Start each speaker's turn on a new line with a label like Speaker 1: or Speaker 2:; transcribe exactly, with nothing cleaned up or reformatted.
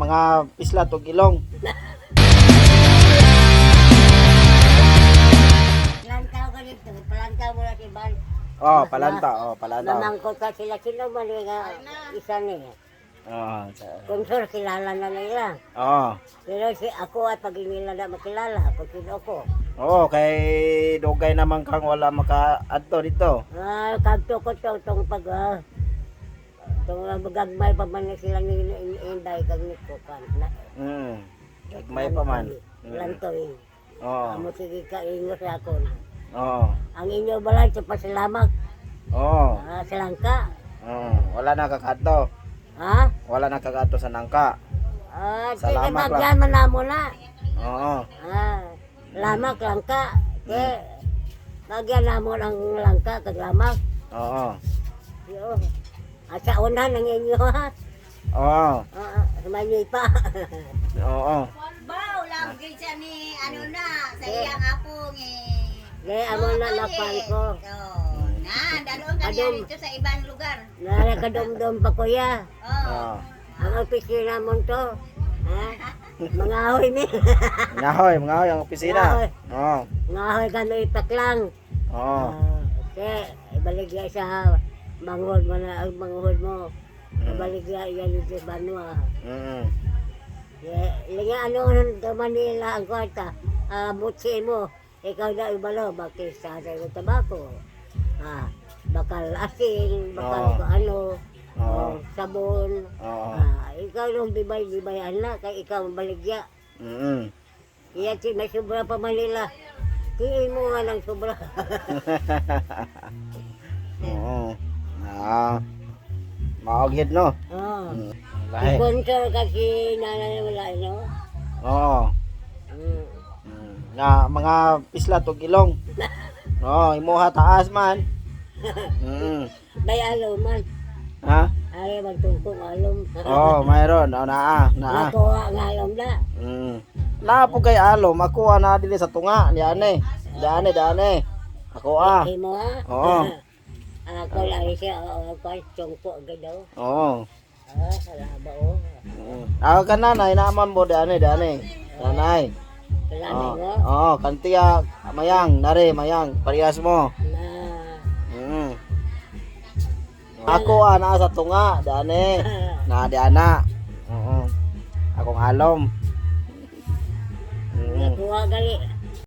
Speaker 1: mga pisla tog ilong.
Speaker 2: Lantaw ka dito, palantaw mo na si Ban.
Speaker 1: Oh, palanta, oh, palanta.
Speaker 2: Namangkot ka sila, sino man yung uh, isa niya.
Speaker 1: Oh,
Speaker 2: Kung sir, kilala na nila.
Speaker 1: oh.
Speaker 2: Pero si ako at pag nila na makilala, ako sino ko.
Speaker 1: Oo, kay dugay naman kang wala maka-adto dito.
Speaker 2: Ah, kadto ko to, itong pag, ah, itong uh, magagmay pa man na sila ni Inday, kag nito kan.
Speaker 1: Mm. May pa man.
Speaker 2: Lantoy.
Speaker 1: Oo.
Speaker 2: Amo sige ka, ingos ako.
Speaker 1: Oo.
Speaker 2: Ang inyo balay, sa pasalamat.
Speaker 1: Oo.
Speaker 2: Ah, sa langka.
Speaker 1: Oo. Wala na kakato.
Speaker 2: Ha?
Speaker 1: Wala na kakato sa nangka.
Speaker 2: Ah, sige,
Speaker 1: Salamat lang.
Speaker 2: magyaman na mo na.
Speaker 1: Oo.
Speaker 2: Ah, lamak langka. Ke, nagyan na mo ng langka, kag lamak.
Speaker 1: Oo.
Speaker 2: Yo. At sa unan ng inyo ha.
Speaker 1: Oo.
Speaker 2: Ah, sumanyoy pa.
Speaker 1: Oo.
Speaker 3: Bao, lagi siya ni ano na, sa iyang apong eh.
Speaker 2: Ge, amo na napan ko.
Speaker 3: Oh, na, daloon ka
Speaker 2: Adom.
Speaker 3: niya dito sa ibang lugar.
Speaker 2: Nara kadom-dom pa kuya.
Speaker 3: Oh.
Speaker 1: Oo.
Speaker 2: Ang opisina mo to. Ha? Mga ahoy ni.
Speaker 1: Ngahoy, mga hoy ang opisina.
Speaker 2: Ngahoy.
Speaker 1: Oo.
Speaker 2: Mga ahoy kami itaklang.
Speaker 1: Oo.
Speaker 2: Ah, ke, ibaligya sa manghod mo na ang manghod mo. Ibaligya yan dito sa Banwa.
Speaker 1: Mm.
Speaker 2: Linga ano sa Manila ang kwarta. Ah, mutsi mo. Ikaw na ibalo, bakit sa atin ng tabako. Ah, bakal asin, bakal
Speaker 1: Oo.
Speaker 2: ano,
Speaker 1: Oo.
Speaker 2: oh, sabon.
Speaker 1: Oo.
Speaker 2: Ah, ikaw nung bibay-bibayan na, kay ikaw ang baligya.
Speaker 1: Mm.
Speaker 2: Iya, si may sobra pa Manila. Kiin mo nga ng sobra.
Speaker 1: Oo. Ah. Maogid no.
Speaker 2: Oh.
Speaker 1: Mm. Lahi.
Speaker 2: Sponsor kasi nanay wala, no?
Speaker 1: Oo.
Speaker 2: Mm.
Speaker 1: Mm. Nga mga pisla tog ilong. Oo, imuha taas man. Mm.
Speaker 2: Bay alo man.
Speaker 1: Ha?
Speaker 2: Ay, magtungkong alom.
Speaker 1: Oo, mayroon. Oo, naa, naa.
Speaker 2: Nakuha ng alom na.
Speaker 1: Mm. Na po kay alo, makuha na dili sa tunga, diane. Diane, diane. Ako ah.
Speaker 2: Imo ha?
Speaker 1: Oo.
Speaker 2: Ako lang siya, oo, ako tungko agad daw.
Speaker 1: Oo.
Speaker 2: Ah, salaba o.
Speaker 1: Mm. Ako ka nanay, naman mo diane, diane. Nanay.
Speaker 2: Kalanay
Speaker 1: Oo.
Speaker 2: mo?
Speaker 1: Oo, kantiya mayang, nare, mayang, parehas mo.
Speaker 2: Na,
Speaker 1: Mm. Ako ah, naa sa tunga, diane. Na diana. Oo. Akong alom. Mm.
Speaker 2: nakuha gali.